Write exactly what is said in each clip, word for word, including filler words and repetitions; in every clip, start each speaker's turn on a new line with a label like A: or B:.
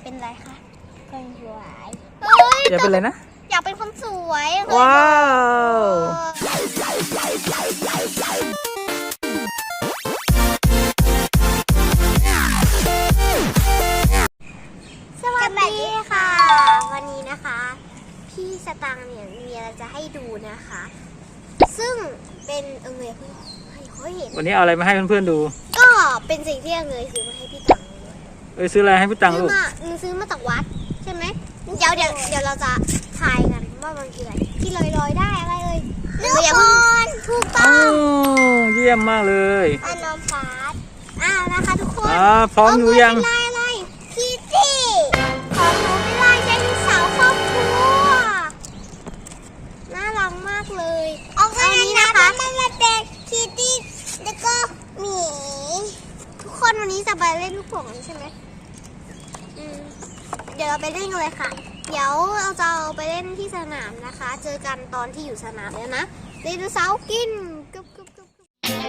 A: เป็นอะไรคะ
B: คนสวย
A: เฮ้ย
C: อยากเป็นอะไรนะ
A: อยากเป็นคนสวย
C: ว้าว
A: สวัสดีค่ะ วันนี้นะคะพี่สตังค์เนี่ยมีอะไรจะให้ดูนะคะ ซึ่งเป็นเอิงเลยพี่ให้เขาเห็น
C: วันนี้เอาอะไรมาให้เพื่อนๆดู
A: ก็เป็นสิ่งที่เอิงเลยซื้อมาให้พี่ตังค์
C: เอ้ยซื้ออะไรให้พี่ตัง
A: ซื้
C: ลู
A: อก มาเอิงซื้อมาจากวัดใช่ไหมเดี๋ยวเดี๋ยวเดี๋ยวเราจะทายกันว่ามันคืออะไรที่ลอยลอยได้อะไรเอ่ยลูกบอลถูกต้
C: อ้า
A: อง
C: วเยี่ยมมากเลย
A: อันน้องฟาสอ่านะคะทุกคน
C: อ่าพร้อมอยู่ยัง
A: ลายอะไรคิตตี้ของหนูเป็นลายไดโนเสาร์ครอบครัวน่ารักมากเลยเอาอันนี้นะคะมันมาเป็นคิตตี้แล้วก็หมีทุกคนวันนี้จะไปเล่นลูกโป่งใช่ไหมอืมเดี๋ยวเราไปเล่นกันเลยค่ะเดี๋ยวเราจะเอาไปเล่นที่สนามนะคะ เจอกันตอนที่อยู่สนามแล้วนะไดโนเสาร์กินกึบกึบกึบ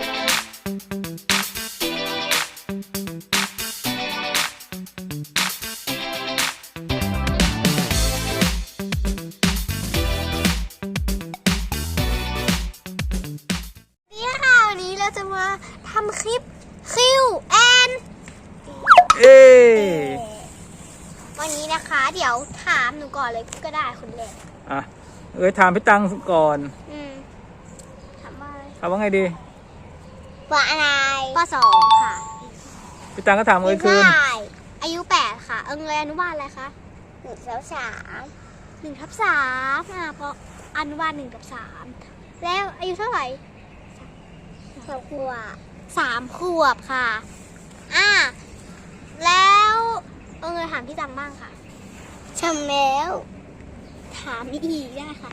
A: นี่ค่ะวันนี้เราจะมาทำคลิปคิวแอน
C: เอ้ย
A: วันนี้นะคะเดี๋ยวถามหนูก่อนเลยก็ได้คนแรก
C: อ่ะเอ้ยถามพี่ตังก่อน
A: อืมถามว่าอะไร
C: ถามว่าไงดี
A: ว่าอะไรปสองค่ะ
C: พี่ตังก็ถามเอ้ยคืน
A: อายุแปดค่ะ เอิงเลยอนุบาลอะไรคะหนึ่งทับสามหนึ่งทับสามอ่ะเพราะอนุบาลหนึ่งกับสามแล้วอายุเท่าไหร่สามขวบสามขวบค่ะอ่ะแล้วเอิงเลยถามพี่ตังบ้างค่ะทำแล้วถามอีกได้ค่ะ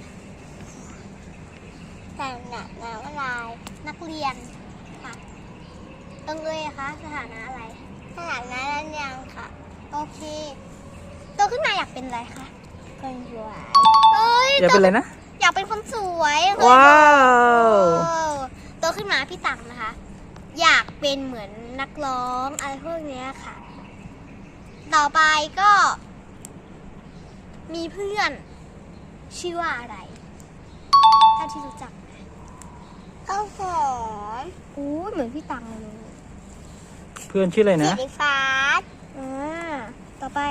A: แต่งหนักน้ำอะไรนักเรียนค่ะเอิงเลยอะคะสถานะอะไรสถานะนักเรียนค่ะโอเคโตขึ้นมาอยากเป็นอะไรคะคนสวยเฮ้ย
C: อยากเป็นอะไรนะ
A: อยากเป็นคนสวย
C: ว้าว
A: เออโตขึ้นมาพี่ตังนะคะ อยากเป็นเหมือนนักร้องอะไรพวกเนี้ยค่ะ ต่อไปก็ มีเพื่อนชื่อว่าอะไรถ้าที่รู้จักข้าวหอมอู้เหมือนพี่ตังเลย
C: เพื่อนชื่ออะไรนะ
A: สีฟ้าอ่าต่อไป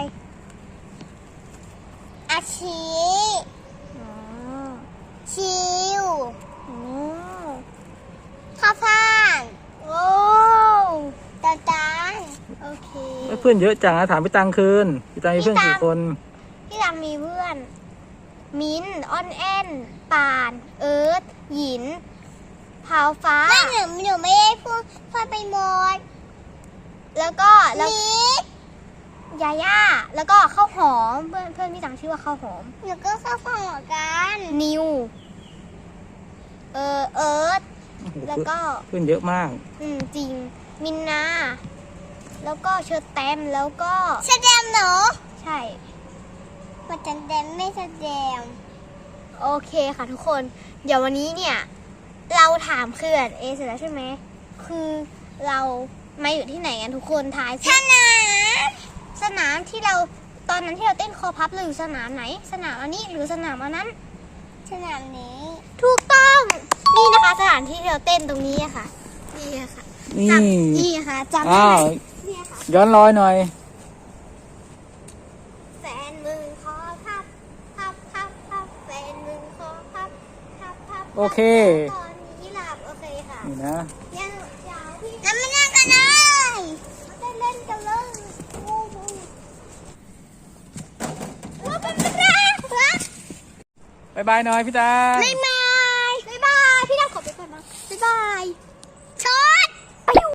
A: อาชีอ๋อชิวอ๋อข้าวฟ่างโอ้ตาตาโอเค
C: เพื่อนเยอะจังนะถามพี่ตังคืนพี่ตังมีเพื่อนกี่คน
A: พี่ตังมีเพื่อน มิ้นอ้อนแอนป่าน เอิร์ธหยินพาวฟ้าไม่หนูหนูไม่ได้พูดพูดไปหมด แล้วก็แล้วยาย่าแล้วก็ข้าวหอมเพื่อนเพื่อนพี่ตังชื่อว่าข้าวหอมแล้วก็ข้าวหอมกันนิวเออเอิร์ธแล้วก็
C: เพื่อนเยอะมาก
A: อืมจริงมินนาแล้วก็เชอร์แตมแล้วก็เชอร์แตมเหรอใช่มาจันแตมไม่เชอร์แตมโอเคค่ะทุกคนเดี๋ยววันนี้เนี่ยเราถามเขื่อนเอเสร็จแล้วใช่ไหมคือเรามาอยู่ที่ไหนกันทุกคนทายสนามสนามที่เราตอนนั้นที่เราเต้นคอพับเราอยู่สนามไหนสนามอันนี้หรือสนามอันนั้นสนามนี้ถูกต้องนี่นะคะสถานที่ที่เราเต้นตรงนี้อะค่ะนี่อะค่ะ
C: นี่
A: จำนี่ค่ะจำได้
C: อ้า
A: ไหม
C: ว
A: นี่ค่ะ
C: ย้อนรอยหน่อย
A: แฟนมึงคอพับพับพับพับแฟนมึงคอพับพับพับ
C: โอเค
A: ตอนนี้หลับโอเคค่ะ
C: นี่นะ
A: ยังยาวพี่แล้วไม่เล่นกันเลยไม่เล่นกันเลยงูงูว่าเป็นเป็นไรวะ
C: บายบายหน่อยพี่ตัง
A: บ๊ายบายบ๊ายบายพี่ดาวขอไปก่อนนะบ๊ายบาย